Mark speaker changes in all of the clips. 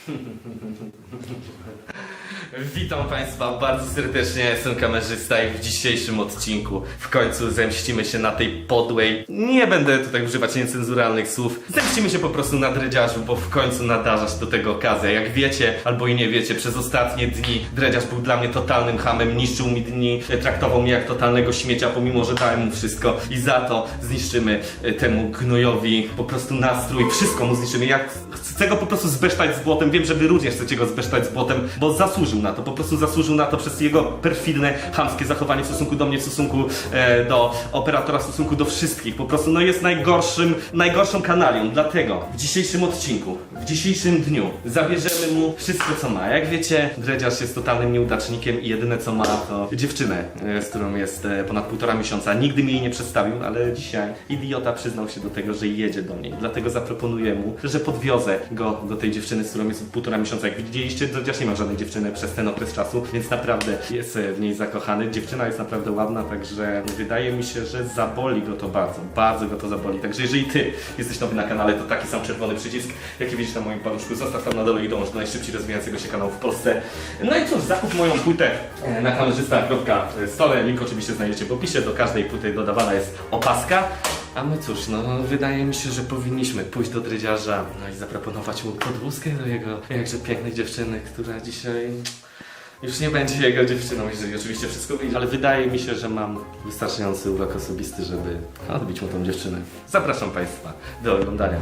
Speaker 1: Witam Państwa bardzo serdecznie, ja jestem kamerzysta i w dzisiejszym odcinku w końcu zemścimy się na tej podłej, nie będę tutaj używać niecenzuralnych słów, zemścimy się po prostu na Dredziarzu, bo w końcu nadarza się do tego okazja. Jak wiecie, albo i nie wiecie, przez ostatnie dni Dredziarz był dla mnie totalnym chamem, niszczył mi dni, traktował mnie jak totalnego śmiecia, pomimo że dałem mu wszystko i za to zniszczymy temu gnojowi po prostu nastrój, wszystko mu zniszczymy. Ja chcę go po prostu zbesztać z błotem, wiem, że wy również chcecie go zbesztać z błotem, bo zasłużył na to, po prostu zasłużył na to przez jego perfidne, chamskie zachowanie w stosunku do mnie, w stosunku do operatora, w stosunku do wszystkich. Po prostu no jest najgorszą kanalią. Dlatego w dzisiejszym odcinku, w dzisiejszym dniu zabierzemy mu wszystko co ma. Jak wiecie, Dredziarz jest totalnym nieudacznikiem i jedyne co ma to dziewczynę, z którą jest ponad 1,5 miesiąca. Nigdy mi jej nie przedstawił, ale dzisiaj idiota przyznał się do tego, że jedzie do niej. Dlatego zaproponuję mu, że podwiozę go do tej dziewczyny, z którą jest 1,5 miesiąca. Jak widzieliście, Dredziarz nie ma żadnej dziewczyny przez ten okres czasu, więc naprawdę jest w niej zakochany. Dziewczyna jest naprawdę ładna, także wydaje mi się, że zaboli go to bardzo, bardzo go to zaboli. Także jeżeli ty jesteś nowy na kanale, to taki sam czerwony przycisk, jaki widzisz na moim paluszku, zostaw tam na dole i dąż do najszybciej rozwijającego się kanału w Polsce. No i cóż, zakup moją płytę na kamerzysta.stole, link oczywiście znajdziecie w opisie, do każdej płyty dodawana jest opaska. A my cóż, no wydaje mi się, że powinniśmy pójść do Dredziarza, no i zaproponować mu podwózkę do jego jakże pięknej dziewczyny, która dzisiaj już nie będzie jego dziewczyną, jeżeli oczywiście wszystko wyjdzie. Ale wydaje mi się, że mam wystarczający urok osobisty, żeby odbić mu tą dziewczynę. Zapraszam Państwa do oglądania.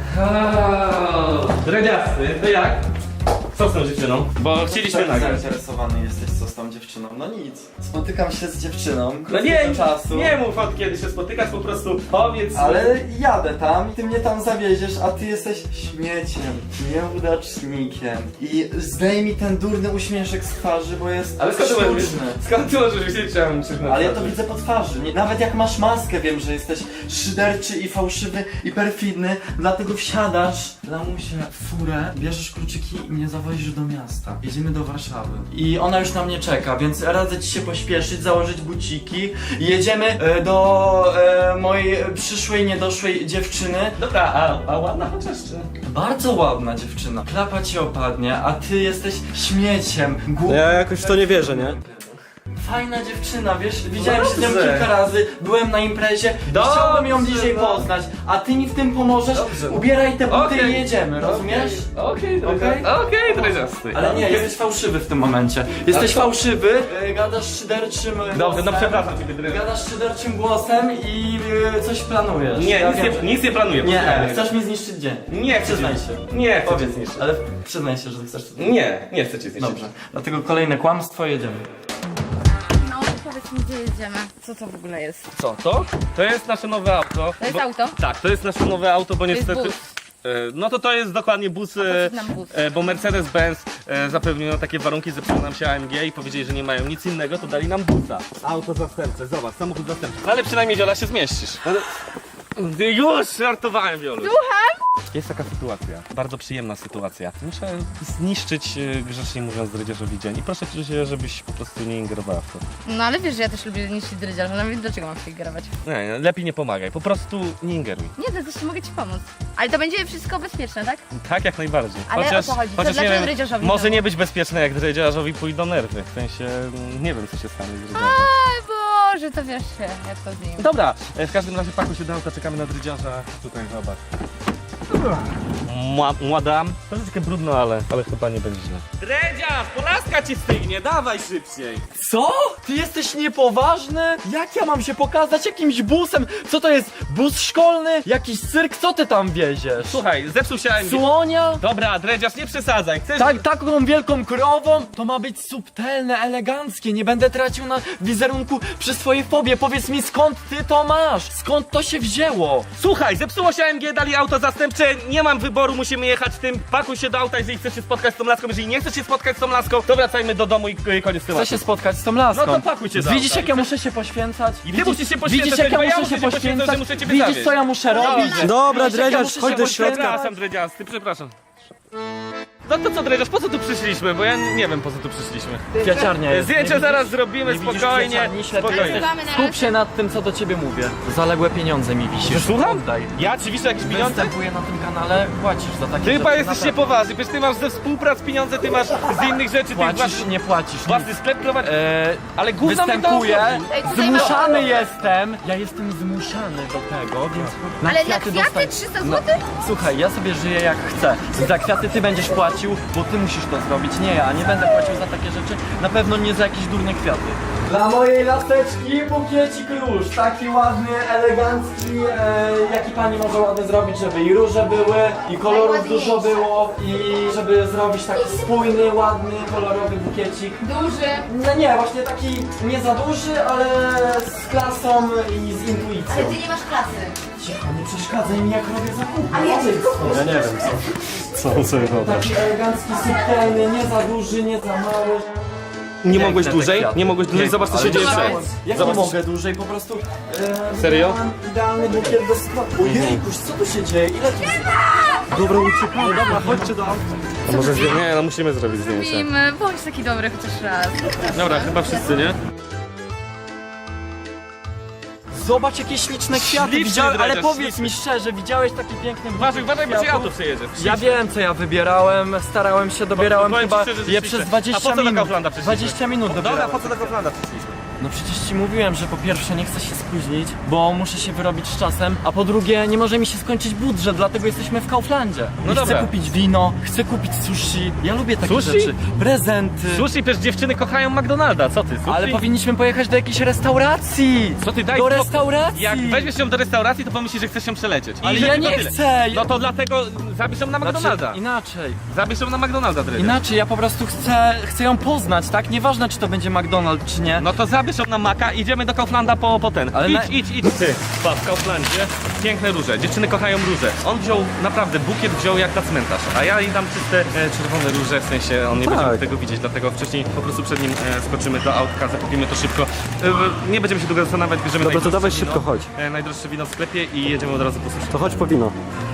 Speaker 1: Dredziasty, to jak? Co z tą dziewczyną? Bo chcieliśmy
Speaker 2: tak
Speaker 1: nagrać.
Speaker 2: zainteresowany jesteś, co z tą dziewczyną? No nic. Spotykam się z dziewczyną,
Speaker 1: No
Speaker 2: krótkiego czasu.
Speaker 1: nie mów od kiedy się spotykasz, po prostu powiedz.
Speaker 2: Ale jadę tam i ty mnie tam zawieziesz, a ty jesteś śmieciem, nieudacznikiem. I zdejmij ten durny uśmieszek z twarzy, bo jest
Speaker 1: Ale skąd ty możesz
Speaker 2: sztuczny.
Speaker 1: skąd ty możesz wiedzieć, że ja mam uśmiech na
Speaker 2: Ale ja to
Speaker 1: twarzy?
Speaker 2: widzę po twarzy. Nawet jak masz maskę, wiem, że jesteś szyderczy i fałszywy i perfidny, dlatego wsiadasz, lamusie, w furę, bierzesz kluczyki i mnie zawozisz do miasta. Jedziemy do Warszawy. I ona już na mnie czeka, więc radzę ci się pośpieszyć, założyć buciki. Jedziemy do mojej przyszłej, niedoszłej dziewczyny.
Speaker 1: Dobra, a ładna chociaż czy?
Speaker 2: Bardzo ładna dziewczyna. Klapa ci opadnie, a ty jesteś śmieciem.
Speaker 3: Ja jakoś w to nie wierzę, nie?
Speaker 2: Fajna dziewczyna, wiesz, widziałem się z nią
Speaker 1: dobrze.
Speaker 2: kilka razy, byłem na imprezie,
Speaker 1: Dobrze,
Speaker 2: chciałbym ją bliżej
Speaker 1: no.
Speaker 2: poznać, a ty mi w tym pomożesz,
Speaker 1: Dobrze.
Speaker 2: ubieraj te buty
Speaker 1: Okej.
Speaker 2: i jedziemy, rozumiesz?
Speaker 1: Okej, Dredziasty.
Speaker 2: Ale nie, jesteś fałszywy w tym momencie. Jesteś fałszywy, gadasz szyderczym
Speaker 1: Dobrze,
Speaker 2: głosem.
Speaker 1: no przepraszam ciebie, Dredziarz.
Speaker 2: Gadasz szyderczym głosem i coś planujesz.
Speaker 1: Nie,
Speaker 2: Ja
Speaker 1: nic nie planuję.
Speaker 2: Nie,
Speaker 1: posłuchaj.
Speaker 2: chcesz mi zniszczyć dzień.
Speaker 1: Nie chcę
Speaker 2: Przyznaj
Speaker 1: cię-
Speaker 2: się.
Speaker 1: Nie chcę cię
Speaker 2: Powiedz,
Speaker 1: zniszczyć.
Speaker 2: ale przyznaj się, że chcesz.
Speaker 1: Nie chcę cię zniszczyć.
Speaker 2: Dobrze, dlatego kolejne kłamstwo, jedziemy.
Speaker 4: No, powiedz mi, gdzie jedziemy? Co to w ogóle jest?
Speaker 1: Co to? To jest nasze nowe auto.
Speaker 4: To jest auto?
Speaker 1: Tak, to jest nasze nowe auto, bo
Speaker 4: jest
Speaker 1: niestety...
Speaker 4: bus.
Speaker 1: No to jest dokładnie bus,
Speaker 4: po co nam bus?
Speaker 1: bo Mercedes-Benz zapewnił takie warunki, zepsuło nam się AMG i powiedzieli, że nie mają nic innego, to dali nam busa. Auto zastępcze, zobacz, samochód zastępczy. No ale przynajmniej Wiola się zmieścisz. Już żartowałem, Wiolu.
Speaker 4: Słucham?
Speaker 1: Jest taka sytuacja, bardzo przyjemna sytuacja. Muszę zniszczyć, grzecznie mówiąc, Dredziarzowi dzień i proszę cię, żebyś po prostu nie ingerowała w to.
Speaker 4: No ale wiesz, że ja też lubię niszczyć dredziarza, no więc dlaczego mam się igerować?
Speaker 1: Nie, lepiej nie pomagaj, po prostu nie ingeruj.
Speaker 4: Nie, to też mogę ci pomóc. Ale to będzie wszystko bezpieczne, tak?
Speaker 1: Tak, jak najbardziej.
Speaker 4: Ale o co chodzi? To
Speaker 1: chociaż nie
Speaker 4: dlaczego
Speaker 1: wiem,
Speaker 4: Dredziarzowi
Speaker 1: może
Speaker 4: to?
Speaker 1: nie być bezpieczne, jak Dredziarzowi pójdą nerwy. W sensie, nie wiem, co się stanie z Dredziarzem.
Speaker 4: Oj Boże, to wiesz się, jak to z nim.
Speaker 1: Dobra, w każdym razie pakuj się do auta, czekamy na Dredziarza. Tutaj, zobacz. Młada, troszeczkę brudno, ale chyba nie będzie źle. Dredziarz, polaska ci stygnie, dawaj szybciej.
Speaker 2: Co? Ty jesteś niepoważny? Jak ja mam się pokazać jakimś busem? Co to jest? Bus szkolny? Jakiś cyrk? Co ty tam wieziesz?
Speaker 1: Słuchaj, zepsuł się AMG.
Speaker 2: Słonia?
Speaker 1: Dobra, Dredziarz, nie przesadzaj, chcesz...
Speaker 2: Tak, taką wielką krową? To ma być subtelne, eleganckie. Nie będę tracił na wizerunku przy swojej fobie. Powiedz mi, skąd ty to masz? Skąd to się wzięło?
Speaker 1: Słuchaj, zepsuło się AMG, dali auto zastępcze, nie mam wyboru, musimy jechać tym. Pakuj się do auta, jeżeli chcesz się spotkać z tą laską, jeżeli nie chcesz się spotkać z tą laską, to wracajmy do domu i koniec tematu.
Speaker 2: Chcę się spotkać z tą laską.
Speaker 1: No to pakuj się do
Speaker 2: Widzisz,
Speaker 1: auta.
Speaker 2: jak ja muszę się poświęcać?
Speaker 1: I ty musisz się poświęcać,
Speaker 2: Widzisz, jak ja
Speaker 1: bo ja
Speaker 2: muszę się
Speaker 1: muszę się poświęcać,
Speaker 2: poświęcać?
Speaker 1: że muszę ciebie
Speaker 2: Widzisz,
Speaker 1: zawieźć.
Speaker 2: co ja muszę robić?
Speaker 3: Dobra,
Speaker 2: Widzisz, jak ja
Speaker 3: Dredziarz,
Speaker 2: muszę
Speaker 3: chodź
Speaker 2: się
Speaker 3: do
Speaker 2: poświęcać?
Speaker 3: środka.
Speaker 1: Przepraszam, Dredziasty, przepraszam. No to co, Dredziarz, po co tu przyszliśmy? Bo ja nie wiem, po co tu przyszliśmy.
Speaker 3: Kwiaciarnia jest.
Speaker 1: Zdjęcie zaraz zrobimy, spokojnie. Spokojnie.
Speaker 3: Skup się nad tym, co do ciebie mówię. Zaległe pieniądze mi wisisz.
Speaker 1: Słucham?
Speaker 3: Oddaj.
Speaker 1: Ja ci wiszę jakieś pieniądze?
Speaker 3: Występuję na tym kanale, płacisz za takie
Speaker 1: Ty
Speaker 3: rzeczy,
Speaker 1: chyba jesteś
Speaker 3: naprawdę.
Speaker 1: niepoważny, przecież ty masz ze współprac pieniądze, ty masz z innych rzeczy, ty
Speaker 3: Płacisz, nie płacisz.
Speaker 1: własny sklep prowadzisz. Ale gówno mi to
Speaker 3: Występuję,
Speaker 1: obchodzi.
Speaker 4: Ej, tutaj
Speaker 3: zmuszany jestem. Ja jestem zmuszany do tego, więc
Speaker 4: Ale na kwiaty
Speaker 3: dostaję.
Speaker 4: 300
Speaker 3: No,
Speaker 4: zł?
Speaker 3: słuchaj, ja sobie żyję jak chcę. Za kwiaty ty będziesz płacił, bo ty musisz to zrobić, nie ja. Nie będę płacił za takie rzeczy, na pewno nie za jakieś durne kwiaty. Dla mojej laseczki bukiecik róż, taki ładny, elegancki, jaki pani może ładny zrobić, żeby i róże były, i kolorów
Speaker 4: Najładniejsze.
Speaker 3: dużo było, i żeby zrobić taki spójny, ładny, kolorowy bukiecik.
Speaker 4: Duży.
Speaker 3: No nie, właśnie taki nie za duży, ale z klasą i z intuicją.
Speaker 4: Ale ty nie masz klasy.
Speaker 3: Cicho, nie przeszkadzaj mi jak robię zakupy.
Speaker 4: Ale ja
Speaker 3: Odejdź
Speaker 4: ci
Speaker 3: stąd.
Speaker 2: Ja nie wiem co on sobie wyobraża.
Speaker 3: Taki elegancki, subtelny, nie za duży, nie za mały.
Speaker 1: Nie mogłeś
Speaker 3: te
Speaker 1: dłużej?
Speaker 3: kwiaty.
Speaker 1: Nie mogłeś dłużej? Zobacz co się dzieje
Speaker 3: chciałem.
Speaker 1: wszędzie.
Speaker 3: Jak
Speaker 1: Zobacz,
Speaker 3: nie
Speaker 1: co się-
Speaker 3: mogę dłużej, po prostu...
Speaker 1: Serio?
Speaker 3: wybrałem idealny bukiet do sklepu. Ojejkuś, co tu się dzieje? Ile tu... Dobra, uciekamy. Dobra, chodźcie do auta.
Speaker 1: A może nie, no musimy zrobić zdjęcie.
Speaker 4: Robimy, bądź taki dobry chociaż raz.
Speaker 1: Dobra, chyba wszyscy, nie?
Speaker 3: Zobacz jakie śliczne kwiaty
Speaker 1: Śliczny
Speaker 3: widziałem, ale
Speaker 1: dredziarz,
Speaker 3: powiedz mi szczerze, widziałeś taki piękny
Speaker 1: Uważaj, uważaj, bo cię
Speaker 3: kwiatów?
Speaker 1: auto przejedzie.
Speaker 3: Ja wiem co ja wybierałem, starałem się, dobierałem
Speaker 1: Powiem ci
Speaker 3: chyba
Speaker 1: szczerze, że
Speaker 3: je
Speaker 1: śliczne.
Speaker 3: przez
Speaker 1: A
Speaker 3: 20
Speaker 1: po co do
Speaker 3: minut.
Speaker 1: Kauflanda przyszliśmy?
Speaker 3: 20 minut dobierałem.
Speaker 1: Dobra, po co do Kauflanda przyszliśmy?
Speaker 3: No przecież ci mówiłem, że po pierwsze nie chcę się spóźnić, bo muszę się wyrobić z czasem, a po drugie nie może mi się skończyć budżet, dlatego jesteśmy w Kauflandzie.
Speaker 1: No
Speaker 3: I
Speaker 1: dobra.
Speaker 3: chcę kupić wino, chcę kupić sushi, ja lubię takie
Speaker 1: Sushi?
Speaker 3: rzeczy, prezenty.
Speaker 1: Sushi, przecież dziewczyny kochają McDonalda, co ty? Sushi?
Speaker 3: Ale powinniśmy pojechać do jakiejś restauracji!
Speaker 1: Co ty daj
Speaker 3: Do
Speaker 1: spokój.
Speaker 3: restauracji!
Speaker 1: Jak weźmiesz ją do restauracji, to pomyślisz, że chcesz ją przelecieć.
Speaker 3: Ale
Speaker 1: I
Speaker 3: ja
Speaker 1: tylko
Speaker 3: nie
Speaker 1: tyle.
Speaker 3: chcę!
Speaker 1: No to dlatego zabierz ją na McDonalda.
Speaker 3: Inaczej.
Speaker 1: Zabierz ją na McDonalda, Dredziarz.
Speaker 3: Inaczej, ja po prostu chcę ją poznać, tak? Nieważne czy to będzie McDonald's czy nie.
Speaker 1: No to zabierz ją na Maka, idziemy do Kauflanda po ten.
Speaker 3: Ale
Speaker 1: idź. Ty, patrz, w Kauflandzie piękne róże, dziewczyny kochają róże. On wziął, naprawdę, bukiet wziął jak na cmentarz. A ja jej dam czyste czerwone róże, w sensie on nie
Speaker 3: Tak.
Speaker 1: będzie tego widzieć, dlatego wcześniej po prostu przed nim skoczymy do autka, zakupimy to szybko. Nie będziemy się długo zastanawiać, bierzemy
Speaker 3: Dobra, to
Speaker 1: najdroższe
Speaker 3: dawaj
Speaker 1: wino,
Speaker 3: szybko, chodź.
Speaker 1: Najdroższe wino w sklepie i jedziemy od razu po sushi.
Speaker 3: To chodź po wino.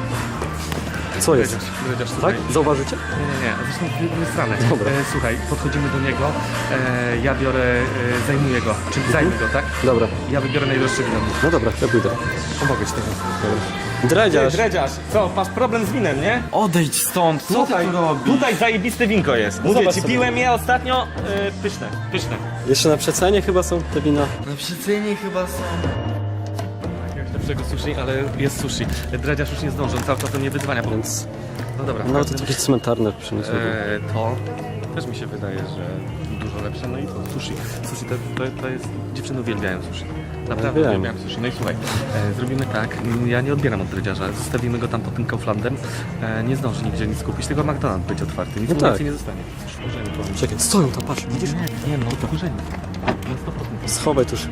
Speaker 3: Co jest?
Speaker 1: Dredziarz,
Speaker 3: Tak?
Speaker 1: słuchaj.
Speaker 3: Zauważycie?
Speaker 1: Nie, zresztą w stronę.
Speaker 3: Dobra.
Speaker 1: Słuchaj, podchodzimy do niego, ja biorę, zajmuję go, czyli zajmę go, tak?
Speaker 3: Dobra.
Speaker 1: Ja wybiorę najdroższe wino.
Speaker 3: No dobra, ja pójdę.
Speaker 1: Pomogę ci tego.
Speaker 3: Dredziarz.
Speaker 1: Dredziarz, co, masz problem z winem, nie?
Speaker 3: Odejdź stąd, co ty tu robisz?
Speaker 1: Tutaj zajebiste winko jest. Mówię
Speaker 3: zobacz
Speaker 1: ci,
Speaker 3: sobie.
Speaker 1: piłem je ostatnio, pyszne.
Speaker 3: Jeszcze na przecenie chyba są te wina.
Speaker 2: Na przecenie chyba są.
Speaker 1: Jakiegoś lepszego sushi, ale jest sushi. Dredziarz już nie zdąży, on cały czas do mnie wyzwania, bo...
Speaker 3: Więc
Speaker 1: No dobra.
Speaker 3: no to jakieś cmentarne przyniosły.
Speaker 1: To też mi się wydaje, że dużo lepsze. No i to sushi. Sushi to jest... Dziewczyny uwielbiają sushi. Naprawdę
Speaker 3: Uwielbiam.
Speaker 1: uwielbiam sushi. No i słuchaj, zrobimy tak, ja nie odbieram od dredziarza, zostawimy go tam pod tym Kauflandem. Nie zdąży nigdzie nic kupić, tylko McDonald's będzie otwarty, nic
Speaker 3: No
Speaker 1: mu
Speaker 3: tak.
Speaker 1: więcej nie zostanie. Wkurzeni powiem.
Speaker 3: Czekaj, stoją tam, patrz, widzisz?
Speaker 1: Nie no, to wkurzeni. Na 100%.
Speaker 3: Schowaj tuż.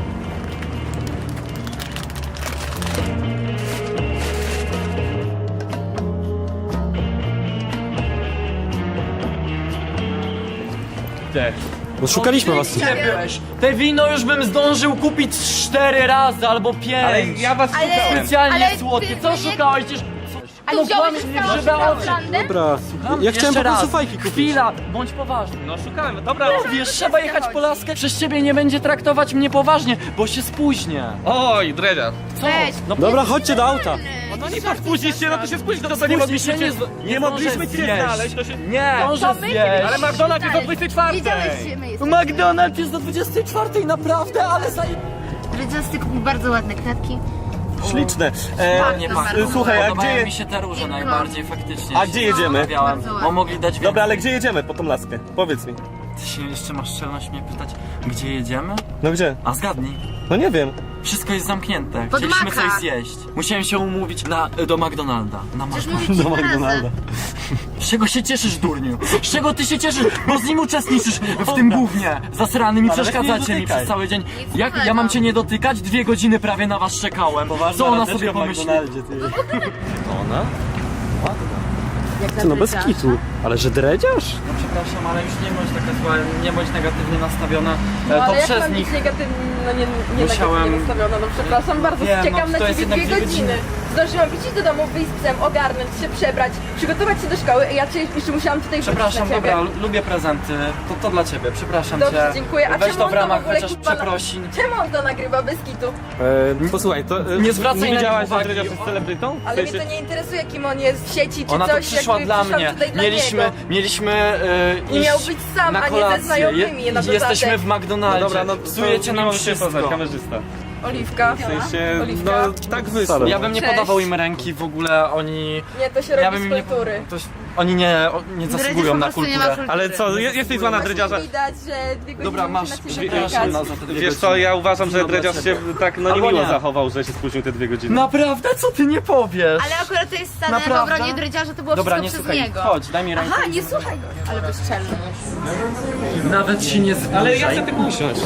Speaker 3: No szukaliśmy was.
Speaker 4: Gdzie
Speaker 3: byłeś? Te wino już bym zdążył kupić 4 razy albo 5.
Speaker 1: Ale ja was
Speaker 4: Ale-
Speaker 1: szukałem.
Speaker 3: Specjalnie
Speaker 4: Ale
Speaker 3: słodkie.
Speaker 4: ty-
Speaker 3: Co
Speaker 4: nie-
Speaker 3: szukałeś? Przecież...
Speaker 4: Ale
Speaker 3: No
Speaker 4: wziąłeś
Speaker 3: kłamiesz mnie w
Speaker 4: całą
Speaker 3: grzybe oczy.
Speaker 4: Kauflandę?
Speaker 3: Dobra, ja chciałem po prostu fajki kupić. Chwila, bądź poważny.
Speaker 1: No szukałem, dobra.
Speaker 3: Wiesz, trzeba jechać po laskę. Przez ciebie nie będzie traktować mnie poważnie, bo się spóźnię.
Speaker 1: Oj, dredziarz.
Speaker 3: Co?
Speaker 4: Weź.
Speaker 3: No, dobra, chodźcie do auta.
Speaker 1: No nie patrz, spóźnisz się, no to się spóźnisz, to co nie mogliśmy cię... Nie mogliśmy cię znaleźć, to się...
Speaker 3: Nie,
Speaker 4: To
Speaker 3: może
Speaker 4: my
Speaker 3: zjeść.
Speaker 4: cię
Speaker 1: Ale McDonald's jest o 24.
Speaker 4: Wiedziałeś, że my jesteśmy.
Speaker 3: McDonald's jest do 24, naprawdę, ale
Speaker 4: Dredziasty kupił bardzo ładne kwiatki.
Speaker 1: Śliczne.
Speaker 3: Ładnie pachną.
Speaker 1: Słuchaj, a
Speaker 3: Podobają
Speaker 1: gdzie...
Speaker 3: mi się te róże najbardziej faktycznie.
Speaker 1: A gdzie jedziemy?
Speaker 3: Zastanawiałem,
Speaker 4: Bardzo
Speaker 3: bo mogli dać więcej.
Speaker 1: Dobra, ale gdzie jedziemy po tą laskę? Powiedz mi.
Speaker 3: Ty się jeszcze masz szczelność mnie pytać, gdzie jedziemy?
Speaker 1: No gdzie?
Speaker 3: A zgadnij.
Speaker 1: No nie wiem.
Speaker 3: Wszystko jest zamknięte.
Speaker 4: Pod
Speaker 3: Chcieliśmy
Speaker 4: Maka.
Speaker 3: coś zjeść. Musiałem się umówić do McDonalda. Na
Speaker 4: Przecież
Speaker 3: Maka.
Speaker 4: mówię ci razem.
Speaker 3: Z czego się cieszysz, durniu? Z czego ty się cieszysz? Bo z nim uczestniczysz w tym gównie. Zasranym i
Speaker 1: Ale
Speaker 3: przeszkadzacie
Speaker 1: nie
Speaker 3: mi
Speaker 1: dotykaj.
Speaker 3: przez cały dzień.
Speaker 4: Nic
Speaker 3: Jak
Speaker 4: złego.
Speaker 3: ja mam cię nie dotykać? 2 godziny prawie na was czekałem. Co ona sobie pomyśli?
Speaker 1: Ona?
Speaker 3: Ty no bez kitu. Ale że dredziarz? No przepraszam, ale już nie bądź taka zła, nie bądź negatywnie nastawiona.
Speaker 5: No,
Speaker 3: to
Speaker 5: ale jak
Speaker 3: przez
Speaker 5: mam
Speaker 3: nich.
Speaker 5: być negatywnie, no nie
Speaker 3: Musiałem-
Speaker 5: negatywnie nastawiona, no przepraszam bardzo,
Speaker 3: Wiem,
Speaker 5: czekam
Speaker 3: no,
Speaker 5: na
Speaker 3: to jest
Speaker 5: ciebie
Speaker 3: jednak
Speaker 5: 2 godziny. Zdążyłam wrócić do domu, wyjść z psem, ogarnąć się, przebrać, przygotować się do szkoły i ja cię jeszcze musiałam tutaj
Speaker 3: Przepraszam,
Speaker 5: wrócić na ciebie.
Speaker 3: dobra, lubię prezenty. To dla ciebie, przepraszam
Speaker 5: Dobrze,
Speaker 3: cię.
Speaker 5: dziękuję. A
Speaker 3: Weź
Speaker 5: czemu
Speaker 3: to
Speaker 5: on
Speaker 3: w ramach
Speaker 5: w ogóle,
Speaker 3: chociaż
Speaker 5: kurwa,
Speaker 3: przeprosin.
Speaker 5: Czemu on to nagrywa bez kitu?
Speaker 1: Posłuchaj, to
Speaker 3: Nie zwracaj na
Speaker 1: widziałaś,
Speaker 3: niego uwagi.
Speaker 1: że Dredziarz jest celebrytą?
Speaker 5: Ale mnie to nie interesuje, kim on jest w sieci czy
Speaker 3: Ona tu
Speaker 5: coś,
Speaker 3: przyszła
Speaker 5: jakby
Speaker 3: dla
Speaker 5: przyszłam
Speaker 3: mnie.
Speaker 5: tutaj dla
Speaker 3: Mieliśmy
Speaker 5: I
Speaker 3: iść
Speaker 5: miał być sam,
Speaker 3: na
Speaker 5: a nie ze
Speaker 3: kolację.
Speaker 5: znajomymi na dodatek.
Speaker 3: Jesteśmy w McDonaldzie.
Speaker 1: No dobra, no
Speaker 3: psujecie nam wszystko.
Speaker 1: kamerzysta.
Speaker 5: Oliwka.
Speaker 1: W sensie,
Speaker 5: Oliwka.
Speaker 1: no tak wyszło.
Speaker 3: Ja bym nie
Speaker 5: Cześć.
Speaker 3: podawał im ręki, w ogóle oni...
Speaker 5: Nie, to się
Speaker 3: Ja
Speaker 5: robi
Speaker 3: bym
Speaker 5: z
Speaker 3: im nie...
Speaker 5: kultury.
Speaker 3: Oni nie zasługują na kulturę.
Speaker 1: Ale co, jesteś zła na Dredziarza?
Speaker 5: Widać, że 2 godziny
Speaker 3: Dobra, masz,
Speaker 5: na ciebie
Speaker 3: przepraszam
Speaker 5: czekać.
Speaker 3: za te 2
Speaker 1: Wiesz co,
Speaker 3: godziny.
Speaker 1: ja uważam, że
Speaker 3: No, dla
Speaker 1: Dredziarz się
Speaker 3: ciebie.
Speaker 1: tak
Speaker 3: Albo
Speaker 1: niemiło
Speaker 3: nie.
Speaker 1: zachował, że się spóźnił te 2 godziny.
Speaker 3: Naprawdę? Co ty nie powiesz?
Speaker 4: Ale akurat to jest stane w
Speaker 3: Naprawdę?
Speaker 4: obronie Dredziarza, to było
Speaker 3: Dobra, nie
Speaker 4: wszystko przez
Speaker 3: słuchaj,
Speaker 4: niego.
Speaker 3: chodź, daj mi rękę.
Speaker 4: Aha, nie słuchaj go. Ale bezczelny.
Speaker 3: Nawet się nie zbliżaj.
Speaker 1: Ale ja chcę tylko usiąść.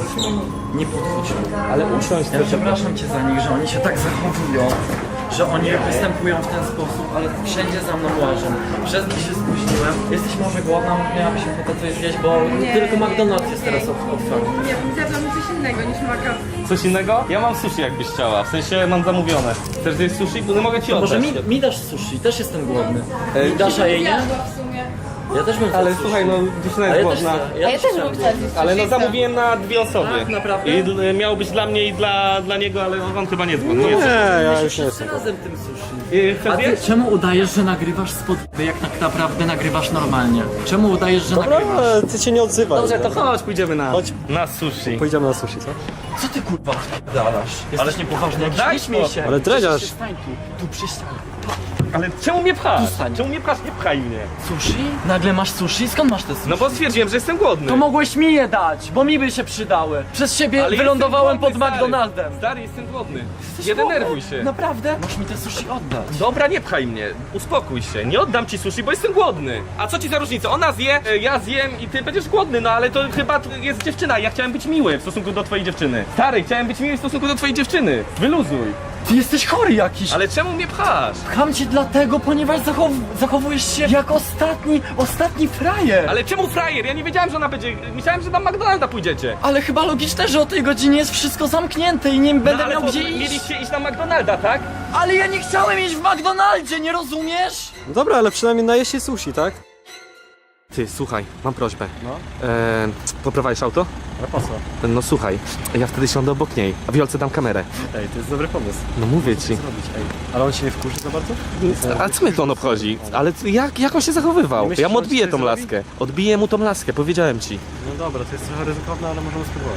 Speaker 3: Nie podchodź. Ale usiądź. Ja przepraszam cię za nich, że oni się tak zachowują, że oni występują w ten sposób, ale wszędzie za mną łażą. Przez nich się spóźniłem. Jesteś może głodna, miałabyś ochotę coś zjeść, bo tylko McDonald's jest teraz otwarty.
Speaker 5: Nie, zjadłam coś innego niż maka.
Speaker 1: Coś innego? Ja mam sushi jakbyś chciała, w sensie mam zamówione. Chcesz zjeść sushi? No mogę ci
Speaker 3: Może
Speaker 1: oddać.
Speaker 3: mi dasz sushi, też jestem głodny. Mi dasz, a jej nie?
Speaker 5: w sumie.
Speaker 3: Ja też bym
Speaker 1: Ale
Speaker 3: chciał
Speaker 1: słuchaj,
Speaker 3: sushi.
Speaker 1: no dziewczyna
Speaker 3: A
Speaker 1: jest
Speaker 3: ja też
Speaker 1: głodna.
Speaker 3: chcę.
Speaker 5: Ja też
Speaker 3: chcę.
Speaker 5: bym chciała zjeść
Speaker 1: Ale no
Speaker 5: sushi.
Speaker 1: zamówiłem na 2 osoby.
Speaker 3: Tak, naprawdę?
Speaker 1: I miało być dla mnie i dla niego, ale on chyba nie jest głodny.
Speaker 3: Nie,
Speaker 1: Jest-
Speaker 3: ja już nie jestem. Razem tym sushi.
Speaker 1: Chcesz
Speaker 3: A ty
Speaker 1: zjeść?
Speaker 3: czemu udajesz, że nagrywasz spod... jak tak naprawdę nagrywasz normalnie? Czemu udajesz, że nagrywasz?
Speaker 6: Ty się nie odzywaj.
Speaker 1: Dobrze, to chodź, pójdziemy na,
Speaker 6: Chodź.
Speaker 1: na sushi.
Speaker 6: Pójdziemy na sushi, co?
Speaker 3: Co ty kurwa dalasz? Jesteś niepoważny, jak
Speaker 1: daj
Speaker 3: śmiej
Speaker 1: spokój.
Speaker 3: się.
Speaker 6: Ale dredziarz.
Speaker 3: Stań tu przy ścianie.
Speaker 1: Ale czemu mnie pchasz?
Speaker 3: Tu stań.
Speaker 1: Czemu mnie pchasz? Nie pchaj mnie.
Speaker 3: Sushi? Nagle masz sushi? Skąd masz te sushi?
Speaker 1: No bo stwierdziłem, że jestem głodny.
Speaker 3: To mogłeś mi je dać, bo mi by się przydały. Przez siebie
Speaker 1: Ale
Speaker 3: wylądowałem
Speaker 1: jestem
Speaker 3: pod
Speaker 1: głodny, stary.
Speaker 3: McDonaldem.
Speaker 1: Stary, jestem głodny. Nie denerwuj się.
Speaker 3: Naprawdę? Masz mi te sushi oddać.
Speaker 1: Dobra, nie pchaj mnie. Uspokój się. Nie oddam ci sushi, bo jestem głodny. A co ci za różnica? Ona zje, ja zjem i ty będziesz głodny, no ale to chyba jest dziewczyna. Ja chciałem być miły w stosunku do twojej dziewczyny. Stary, chciałem być miły w stosunku do twojej dziewczyny. Wyluzuj.
Speaker 3: Ty jesteś chory jakiś.
Speaker 1: Ale czemu mnie pchasz?
Speaker 3: Pcham cię dlatego, ponieważ zachowujesz się jak ostatni frajer.
Speaker 1: Ale czemu frajer? Ja nie wiedziałem, że ona będzie... Myślałem, że tam McDonalda pójdziecie.
Speaker 3: Ale chyba logiczne, że o tej godzinie jest wszystko zamknięte i nie będę
Speaker 1: ale
Speaker 3: miał gdzie iść.
Speaker 1: mieliście iść na McDonalda, tak?
Speaker 3: Ale ja nie chciałem iść w McDonaldzie, nie rozumiesz?
Speaker 6: No dobra, ale przynajmniej najeść się sushi, tak?
Speaker 1: Ty, słuchaj, mam prośbę.
Speaker 6: No.
Speaker 1: Poprowadzisz auto?
Speaker 6: Ale po co?
Speaker 1: No słuchaj, ja wtedy siądę obok niej, a Wiolce dam kamerę.
Speaker 6: Ej, to jest dobry pomysł.
Speaker 1: No mówię ci.
Speaker 6: Zrobić, ej. Ale on się nie wkurzy za bardzo?
Speaker 1: A co mnie to on obchodzi? Ale jak on się zachowywał?
Speaker 6: Myślisz,
Speaker 1: Ja mu
Speaker 6: że on
Speaker 1: odbiję
Speaker 6: ci
Speaker 1: tą
Speaker 6: coś zrobi?
Speaker 1: laskę. Odbiję mu tą laskę, powiedziałem ci.
Speaker 6: No dobra, to jest trochę ryzykowne, ale możemy spróbować.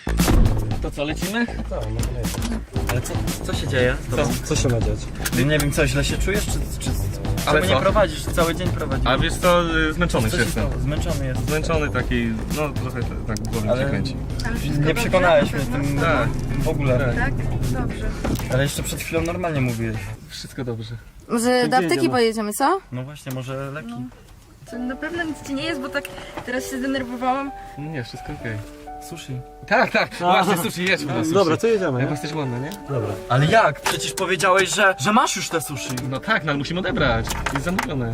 Speaker 3: To co, lecimy?
Speaker 6: Tak, no to leci.
Speaker 3: Ale co się dzieje?
Speaker 6: Co się ma dziać?
Speaker 3: Nie wiem, co, źle się czujesz, czy
Speaker 1: Ale
Speaker 3: czemu
Speaker 1: co?
Speaker 3: nie prowadzisz? Cały dzień prowadzisz.
Speaker 1: A wiesz co, zmęczony
Speaker 3: Co się stało? Zmęczony jest.
Speaker 1: Zmęczony taki, no trochę tak głowy
Speaker 3: Ale-
Speaker 1: się kręci.
Speaker 3: Nie przekonałeś mnie tym
Speaker 1: Tak.
Speaker 3: w ogóle.
Speaker 5: Tak? Dobrze.
Speaker 3: Ale jeszcze przed chwilą normalnie mówiłeś.
Speaker 1: Wszystko dobrze.
Speaker 5: Może do apteki
Speaker 6: jedziemy?
Speaker 5: pojedziemy, co?
Speaker 3: No właśnie, może leki.
Speaker 5: To na pewno nic ci nie jest, bo tak teraz się zdenerwowałam.
Speaker 1: Nie, wszystko okej.
Speaker 3: Sushi.
Speaker 1: Tak, właśnie sushi, jedźmy na sushi.
Speaker 6: Dobra, to jedziemy,
Speaker 1: Ja
Speaker 6: nie?
Speaker 1: jesteś głodny, nie?
Speaker 6: Dobra.
Speaker 3: Ale jak? Przecież powiedziałeś, że masz już te sushi.
Speaker 1: No tak, no ale musimy odebrać. Jest zamówione.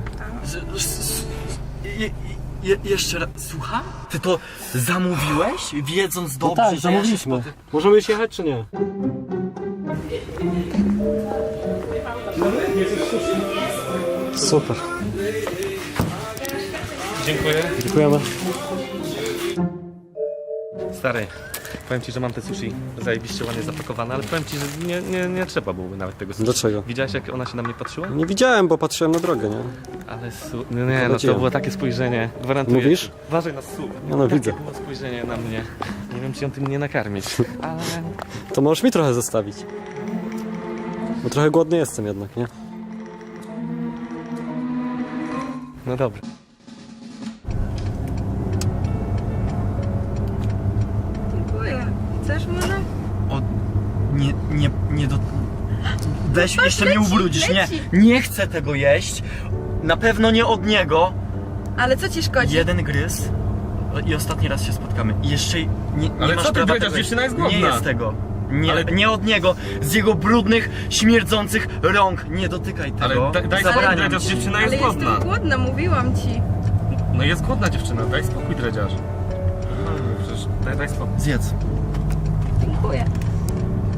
Speaker 3: Jeszcze raz, słucham? Ty to zamówiłeś, wiedząc
Speaker 6: No
Speaker 3: dobrze,
Speaker 6: tak,
Speaker 3: że ja
Speaker 6: zamówiliśmy.
Speaker 3: się
Speaker 6: Możemy już jechać, czy nie? Super.
Speaker 1: Dziękuję.
Speaker 6: Dziękujemy.
Speaker 1: Stary, powiem ci, że mam te sushi zajebiście ładnie zapakowane, ale powiem ci, że nie trzeba byłoby nawet tego sushi.
Speaker 6: Dlaczego?
Speaker 1: Widziałeś, jak ona się na mnie patrzyła?
Speaker 6: Nie widziałem, bo patrzyłem na drogę, nie?
Speaker 1: Ale nie, no to
Speaker 6: Zobaczyłem.
Speaker 1: było takie spojrzenie, gwarantuję.
Speaker 6: Mówisz?
Speaker 1: Uważaj na słup.
Speaker 6: No, no,
Speaker 1: Takie
Speaker 6: widzę.
Speaker 1: było spojrzenie na mnie. Nie wiem, czy ją tym nie nakarmić, ale...
Speaker 6: To możesz mi trochę zostawić. Bo trochę głodny jestem jednak, nie?
Speaker 1: No dobra.
Speaker 5: Dziękuję. Chcesz może?
Speaker 3: O, nie do... Weź, jeszcze mnie
Speaker 5: leci,
Speaker 3: ubrudzisz,
Speaker 5: leci.
Speaker 3: nie chcę tego jeść. Na pewno nie od niego.
Speaker 5: Ale co ci szkodzi?
Speaker 3: Jeden gryz i ostatni raz się spotkamy. I jeszcze nie
Speaker 1: Ale
Speaker 3: masz
Speaker 1: co ty
Speaker 3: prawa
Speaker 1: powiedziałeś?
Speaker 3: tego jeść.
Speaker 1: Dziewczyna jest głodna.
Speaker 3: Nie jest tego. Nie,
Speaker 1: Ale-
Speaker 3: nie od niego, z jego brudnych, śmierdzących rąk. Nie dotykaj tego.
Speaker 1: Ale daj
Speaker 3: Zabraniam
Speaker 1: spokój,
Speaker 3: ci.
Speaker 1: dziewczyna
Speaker 5: Ale
Speaker 1: jest głodna.
Speaker 5: jestem głodna, mówiłam ci.
Speaker 1: No jest głodna dziewczyna, daj spokój, dredziarz. Przecież daj spokój.
Speaker 3: Zjedz.
Speaker 5: Dziękuję.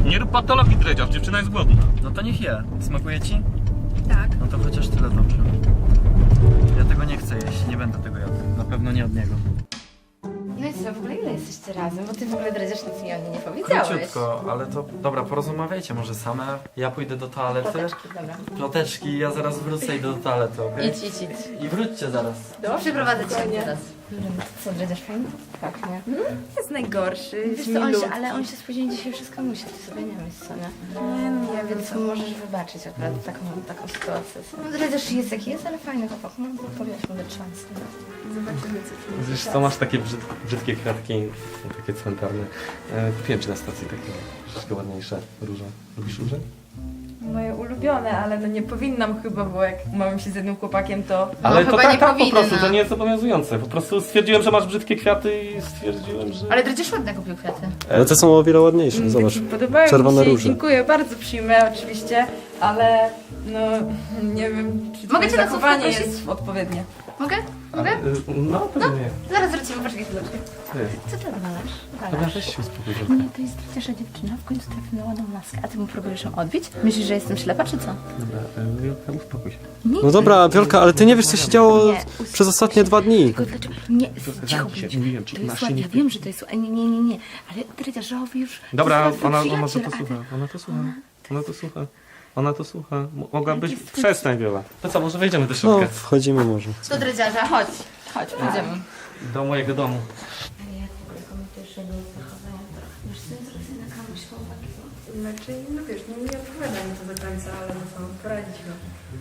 Speaker 1: Nie rób patologii, dredziarz, dziewczyna jest głodna.
Speaker 3: No to niech je. Smakuje ci?
Speaker 5: Tak.
Speaker 3: No to chociaż tyle dobrze. Ja tego nie chcę jeść, nie będę tego jadł. Na pewno nie od niego.
Speaker 4: No i co, w ogóle ile jesteście razem? Bo ty w ogóle dredziarz nic mi o niej nie powiedziałeś.
Speaker 3: Króciutko, ale to dobra, porozmawiajcie może same. Ja pójdę do toalety.
Speaker 4: Ploteczki, dobra.
Speaker 3: Ploteczki, ja zaraz wrócę i do toalety, okej?
Speaker 4: Idź.
Speaker 3: I wróćcie zaraz.
Speaker 4: Przyprowadzę cię teraz. Co, dredziarz fajny? Tak, nie?
Speaker 5: Jest najgorszy,
Speaker 4: Wiesz co, on się spóźnił dzisiaj, wszystko musi, ty sobie nie myśl, co nie? Nie, więc możesz wybaczyć akurat taką sytuację. No dredziarz jest jaki jest, ale fajny chłopak, no powiesz mu dać szansę.
Speaker 5: Zobaczymy, co czujesz.
Speaker 1: Wiesz co, masz takie brzydkie kwiatki, takie cmentarne. Kupiłem ci na stacji takie troszkę ładniejsze róże. Lubisz róże?
Speaker 5: Moje ulubione, ale no nie powinnam chyba, bo jak mam się z jednym chłopakiem, to...
Speaker 1: Ale
Speaker 4: No,
Speaker 1: to
Speaker 4: chyba nie
Speaker 1: tak po
Speaker 4: powinna.
Speaker 1: prostu, to nie jest zobowiązujące. Po prostu stwierdziłem, że masz brzydkie kwiaty i stwierdziłem, że...
Speaker 4: Ale dredziarz ładne kupił kwiaty.
Speaker 6: Ale te są o wiele ładniejsze, zobacz.
Speaker 5: Podobają
Speaker 6: Czerwone
Speaker 5: mi się,
Speaker 6: róże.
Speaker 5: dziękuję, bardzo przyjmę oczywiście, ale no nie wiem, czy
Speaker 4: Mogę cię na
Speaker 5: zachowanie
Speaker 4: słówko prosić?
Speaker 5: jest odpowiednie.
Speaker 4: Mogę? Mogę?
Speaker 1: No, pewnie.
Speaker 4: Zaraz wrócimy, poczekaj chwileczkę.
Speaker 1: Ty.
Speaker 4: Co ty odwalasz?
Speaker 1: Dobra, weź się uspokój.
Speaker 4: Nie, to jest przecież dziewczyna, w końcu trafi na ładną laskę, a ty mu próbujesz ją odbić? Myślisz, że jestem ślepa, czy co?
Speaker 1: Dobra, uspokój się.
Speaker 4: Nie.
Speaker 6: No dobra, Wiolka, ale ty nie wiesz, co się działo
Speaker 4: Nie,
Speaker 6: przez ostatnie 2 dni.
Speaker 4: Tylko dlaczego? Nie, cicho
Speaker 1: zamknij się,
Speaker 4: bądź.
Speaker 1: mówiłem ci,
Speaker 4: To jest
Speaker 1: masz się
Speaker 4: ładne,
Speaker 1: nie
Speaker 4: ja wiem, że to jest nie, ale dredziarzowi już...
Speaker 1: Dobra,
Speaker 4: to
Speaker 1: ona
Speaker 4: jest
Speaker 1: to
Speaker 4: przyjaciel, a ty-
Speaker 1: słucha, ona to słucha. Ona to słucha. Ona to słucha. Mogłabyś...
Speaker 4: Jaki twój-
Speaker 1: Przestań, Wiola. To co, może wejdziemy do
Speaker 6: No,
Speaker 1: środka?
Speaker 6: wchodzimy może.
Speaker 4: Do dredziarza, chodź, pójdziemy.
Speaker 1: Do mojego domu.
Speaker 4: Ale jak w ogóle komentujesz jego zachowanie? Wiesz, to jest trochę na kamuś chłopaki.
Speaker 5: Znaczy, no wiesz, nie odpowiada mi to do końca, ale no co, poradzić go.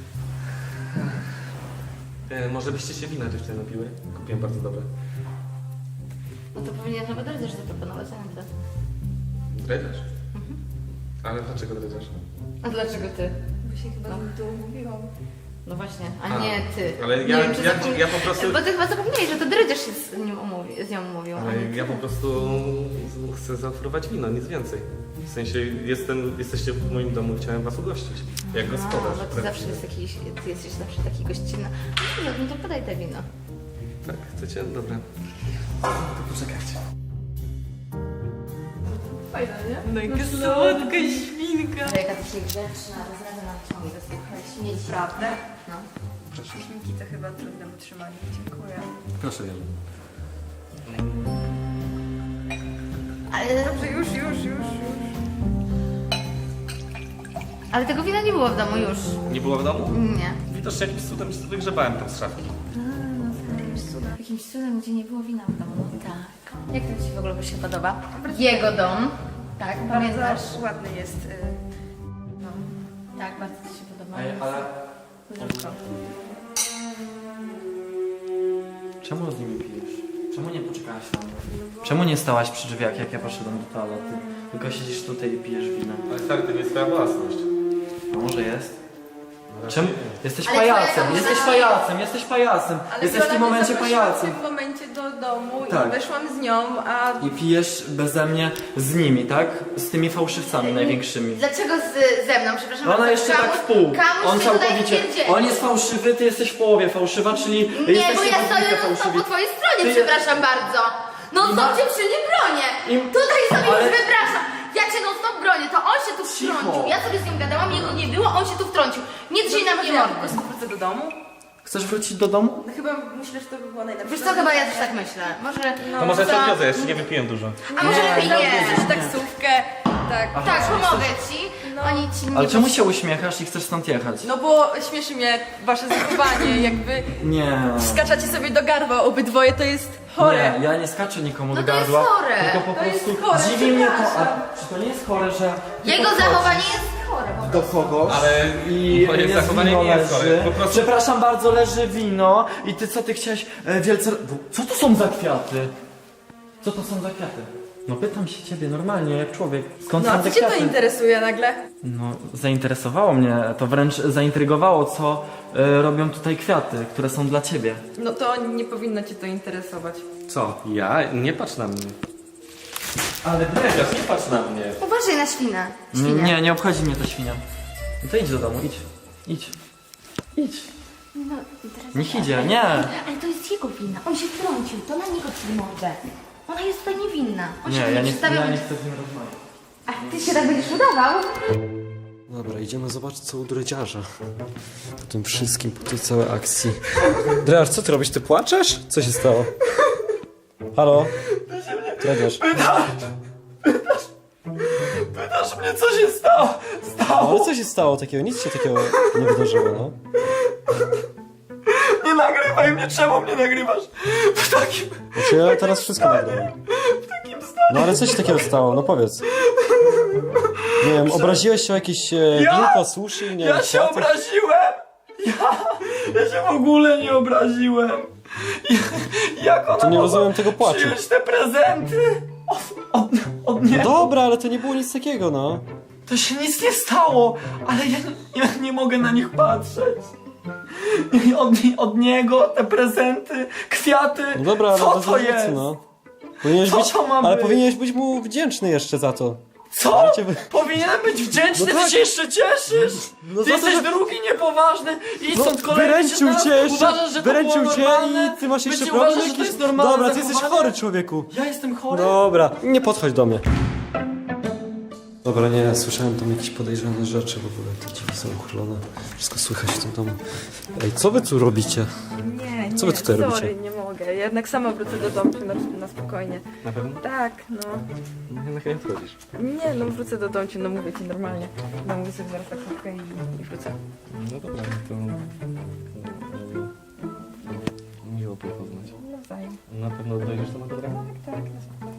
Speaker 1: Może byście się wina dziewczyny napiły? Kupiłem bardzo dobre.
Speaker 4: No to powinien chyba dredziarz zaproponować, a nie ty.
Speaker 1: Dredziarz? Ale dlaczego dredziarz?
Speaker 4: A dlaczego ty?
Speaker 5: Bo się chyba tu umówiłam.
Speaker 4: No właśnie, a nie ty.
Speaker 1: Ale
Speaker 4: Nie
Speaker 1: ja,
Speaker 4: wiem, czy
Speaker 1: ja po prostu...
Speaker 4: Bo ty chyba zapomniałeś, że to dredziarz się z nią umówił. a
Speaker 1: Ale
Speaker 4: nie ty.
Speaker 1: ja po prostu chcę zaoferować wino, nic więcej. W sensie jesteście w moim domu, chciałem was ugościć. Jak gospodarz.
Speaker 4: No, bo ty zawsze ty jesteś zawsze taki gościnny. No to podaj te wino.
Speaker 1: Tak, chcecie? Dobra. To poczekajcie.
Speaker 5: Fajna, nie? No i słodka świnka.
Speaker 4: Jaka ty się grzeczna, rozrada nam ciągle, słuchaj, śmieci.
Speaker 5: Prawda?
Speaker 4: No.
Speaker 5: Świnki to chyba trudne w utrzymaniu. Dziękuję.
Speaker 1: Proszę, Jolu.
Speaker 4: Ale,
Speaker 5: Dobrze, już.
Speaker 4: ale tego wina nie było w domu już.
Speaker 1: Nie było w domu?
Speaker 4: Nie.
Speaker 1: Widocznie jakimś cudem się wygrzebałem tam z szafki.
Speaker 4: Jakimś cudem, gdzie nie było wina w domu. No tak. Jak to ci w ogóle się podoba? Jego dom. Tak, pamiętasz?
Speaker 5: Bardzo ładny jest. No.
Speaker 4: Tak, bardzo ci się podoba.
Speaker 3: ale
Speaker 4: Zdrówko.
Speaker 3: czemu z nimi pijesz? Czemu nie poczekałaś na mnie? Czemu nie stałaś przy drzwiach, jak ja poszedłem do toalety? Tylko siedzisz tutaj i pijesz wino.
Speaker 1: Ale stary, to nie jest twoja własność.
Speaker 3: A może jest? Czemu? Jesteś
Speaker 4: Ale
Speaker 3: pajacem,
Speaker 4: twoja
Speaker 3: jesteś
Speaker 4: zabawa-
Speaker 3: pajacem, jesteś pajacem. Jesteś w tym momencie pajacem.
Speaker 5: w momencie do domu
Speaker 3: Tak.
Speaker 5: i weszłam z nią, a
Speaker 3: I pijesz beze mnie z nimi, tak? Z tymi fałszywcami największymi.
Speaker 4: Dlaczego ze mną, przepraszam?
Speaker 3: Ona
Speaker 4: bardzo,
Speaker 3: jeszcze tak w pół.
Speaker 4: Kamuś
Speaker 3: On
Speaker 4: ty tutaj
Speaker 3: całkowicie.
Speaker 4: wpierdzieli.
Speaker 3: On jest fałszywy, ty jesteś w połowie fałszywa, czyli
Speaker 4: Nie, bo
Speaker 3: jesteście
Speaker 4: ja
Speaker 3: w
Speaker 4: stoję
Speaker 3: dwójkę
Speaker 4: no
Speaker 3: fałszywi.
Speaker 4: po twojej stronie,
Speaker 3: Ty-
Speaker 4: przepraszam bardzo. No stop cię przy nie bronię.
Speaker 3: Im-
Speaker 4: Tutaj sobie
Speaker 3: Ale-
Speaker 4: już wypraszam. Ja cię non stop bronię, to on się tu
Speaker 3: Cicho.
Speaker 4: wtrącił. Ja sobie z nią gadałam, jego nie było, on się tu wtrącił. Nie drzyj na mnie
Speaker 5: ja po
Speaker 4: mordy.
Speaker 5: prostu wrócę do domu.
Speaker 3: Chcesz wrócić do domu?
Speaker 5: No chyba myślę, że to by było najlepsze.
Speaker 4: Wiesz co, chyba ja też tak myślę. Może...
Speaker 1: To może
Speaker 4: co?
Speaker 1: się odwiozę, jeszcze nie wypiłem dużo.
Speaker 4: A może lepiej nie.
Speaker 5: Wziąć taksówkę, tak.
Speaker 4: Tak, pomogę ci. Oni ci nie...
Speaker 3: Ale czemu się uśmiechasz i chcesz stąd jechać?
Speaker 5: No bo śmieszy mnie wasze zachowanie, jakby
Speaker 3: Nie.
Speaker 5: skaczacie sobie do gardła obydwoje, to jest chore.
Speaker 3: Nie, ja nie skaczę nikomu
Speaker 4: No
Speaker 3: do
Speaker 4: to jest
Speaker 3: gardła.
Speaker 4: chore.
Speaker 3: Tylko po
Speaker 5: To jest
Speaker 3: prostu
Speaker 5: chore,
Speaker 3: dziwi mnie to. A
Speaker 5: przepraszam.
Speaker 3: czy to nie jest chore, że. ty
Speaker 4: Jego
Speaker 3: podchodzisz
Speaker 4: zachowanie jest chore po
Speaker 3: do
Speaker 4: prostu.
Speaker 3: kogoś
Speaker 1: Ale
Speaker 3: i
Speaker 1: moje
Speaker 3: jest
Speaker 1: zachowanie
Speaker 3: wino
Speaker 1: nie jest chore,
Speaker 3: leży.
Speaker 1: po prostu-
Speaker 3: Przepraszam bardzo, leży wino i ty co ty chciałeś wielce. Co to są za kwiaty? Co to są za kwiaty? No pytam się ciebie normalnie, jak człowiek. Skąd
Speaker 5: No a
Speaker 3: są te
Speaker 5: co cię to
Speaker 3: kwiaty?
Speaker 5: interesuje nagle?
Speaker 3: No, zainteresowało mnie, to wręcz zaintrygowało, co robią tutaj kwiaty, które są dla ciebie.
Speaker 5: No to nie powinno cię to interesować.
Speaker 1: Co? Ja? Nie patrz na mnie. Ale dredziarz, nie patrz na mnie.
Speaker 4: Uważaj na świnę. Świnia.
Speaker 3: Nie, nie obchodzi mnie ta świnia. No to idź do domu, idź. Idź. Idź.
Speaker 4: No, teraz...
Speaker 3: Niech idzie, nie.
Speaker 4: Ale to jest jego wina. On się wtrącił, to na niego ci mordę. Ona jest tutaj niewinna. On się
Speaker 3: Nie,
Speaker 4: tu
Speaker 3: ja nie
Speaker 4: przedstawiał-
Speaker 3: chcę z nim rozmawiać.
Speaker 4: A ty się tak będziesz udawał?
Speaker 6: Dobra, idziemy zobaczyć co u dredziarza. Po tym wszystkim, po tej całej akcji. Dredziarz, co ty robisz? Ty płaczesz? Co się stało? Halo? Dredziarz.
Speaker 2: Pytasz mnie, co się stało?
Speaker 6: No, ale co się stało takiego? Nic się takiego nie wydarzyło, no.
Speaker 2: Nie nagrywaj mnie, czemu mnie nagrywasz? W takim...
Speaker 6: Znaczy ja teraz wszystko nagrałem. No ale co się takiego stało? No powiedz. Nie wiem, obraziłeś się o jakieś winko, sushi, nie
Speaker 2: Ja
Speaker 6: wiem,
Speaker 2: się
Speaker 6: kwiaty?
Speaker 2: obraziłem! Ja się w ogóle nie obraziłem! Jak ona
Speaker 6: To nie
Speaker 2: mogła
Speaker 6: rozumiem tego płaczu.
Speaker 2: przyjąć te prezenty? Od
Speaker 6: No
Speaker 2: niego?
Speaker 6: dobra, ale to nie było nic takiego, no.
Speaker 2: To się nic nie stało, ale ja nie mogę na nich patrzeć. Od niego te prezenty, kwiaty,
Speaker 6: No dobra, ale
Speaker 2: co
Speaker 6: bez
Speaker 2: to
Speaker 6: różnicy,
Speaker 2: jest?
Speaker 6: no. Powinieneś
Speaker 2: Co
Speaker 6: być,
Speaker 2: to ma
Speaker 6: ale
Speaker 2: być?
Speaker 6: powinieneś być mu wdzięczny jeszcze za to.
Speaker 2: Co?
Speaker 6: Życie wy-
Speaker 2: Powinienem być wdzięczny,
Speaker 6: No
Speaker 2: ty
Speaker 6: tak.
Speaker 2: się jeszcze cieszysz?
Speaker 6: No
Speaker 2: Ty
Speaker 6: za to,
Speaker 2: jesteś
Speaker 6: że-
Speaker 2: drugi niepoważny i
Speaker 6: No,
Speaker 2: stąd kolejny
Speaker 6: wyręczył
Speaker 2: się
Speaker 6: cię
Speaker 2: teraz
Speaker 6: jeszcze,
Speaker 2: uważasz, że to
Speaker 6: wyręczył
Speaker 2: było
Speaker 6: cię
Speaker 2: normalne?
Speaker 6: i ty masz jeszcze
Speaker 2: Ty
Speaker 6: problem
Speaker 2: uważasz, że to
Speaker 6: jakiś?
Speaker 2: jest normalne
Speaker 6: Dobra, ty jesteś
Speaker 2: zachowanie?
Speaker 6: chory, człowieku.
Speaker 2: Ja jestem chory?
Speaker 6: Dobra, nie podchodź do mnie. Dobra, nie, słyszałem tam jakieś podejrzane rzeczy w ogóle, te drzwi są uchylone, wszystko słychać w tym domu. Ej, co wy tu robicie?
Speaker 5: Nie,
Speaker 6: Co wy tutaj
Speaker 5: sorry,
Speaker 6: robicie?
Speaker 5: nie mogę. Jednak sama wrócę do domu na spokojnie.
Speaker 1: Na pewno?
Speaker 5: Tak, no.
Speaker 1: Na chwilę wchodzisz.
Speaker 5: Nie, no wrócę do domu, no mówię ci normalnie. Dam sobie zaraz na krótkę i wrócę.
Speaker 1: No dobra, to... Miło poznać.
Speaker 5: Nawzajem.
Speaker 1: Na pewno dojdziesz do tego?
Speaker 5: Tak, na spokojnie.